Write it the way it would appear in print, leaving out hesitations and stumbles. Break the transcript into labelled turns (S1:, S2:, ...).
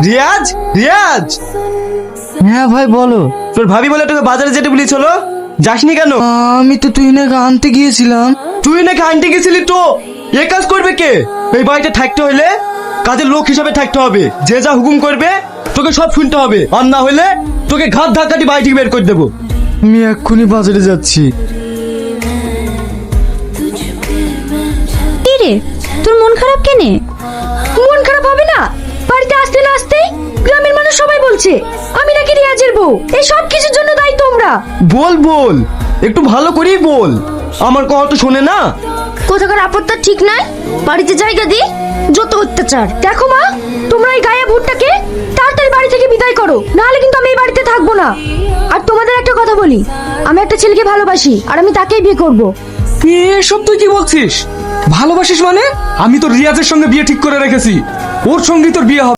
S1: রিয়াজ, রিয়াজ।
S2: হ্যাঁ ভাই বলো।
S1: তোর ভাবি বলে তোকে বাজারে যেতে বলেছিল, যাসনি কেন?
S2: আমি তো তুই নাকি আনতে গিয়েছিলাম।
S1: তুই নাকি আনতে গেছিলি তো? এ কাজ করবে কে? এই বাড়িতে থাকতে হলে কাজের লোক হিসাবে থাকতে হবে। যে যা হুকুম করবে তোকে সব শুনতে হবে, আর না হলে তোকে ঘাত ধাক্কাটি বাড়ি থেকে বের করে দেবো।
S2: আমি এক্ষুনি বাজারে যাচ্ছি।
S3: কি রে, তোর মন খারাপ কেনে? মন খারাপ হবে না? বাড়িতে আসতে না আসতেই গ্রামের মানুষ সবাই বলছে আমি নাকি রিয়াজের বউ। এই সব কিছুর জন্য দায়ী তোমরা।
S1: বল বল, একটু ভালো করেই বল, আমার কথা তো শোনে না।
S3: কোথাকার আপত্তি ঠিক নাই, বাড়িতে জায়গা দি, যত অত্যাচার। দেখো মা, তোমরা এই গায়ে ভুট্টাকে তাড়াতাড়ি বাড়ি থেকে বিদায় করো, নাহলে কিন্তু আমি এই বাড়িতে থাকবো না। আর তোমাদের একটা কথা বলি, আমি একটা ছেলেকে ভালোবাসি আর আমি তাকেই বিয়ে করব।
S4: এসব তুই কি বলছিস? ভালোবাসিস মানে? আমি তো রিয়াজের সঙ্গে বিয়ে ঠিক করে রেখেছি, ওর সঙ্গেই তোর বিয়ে হবে।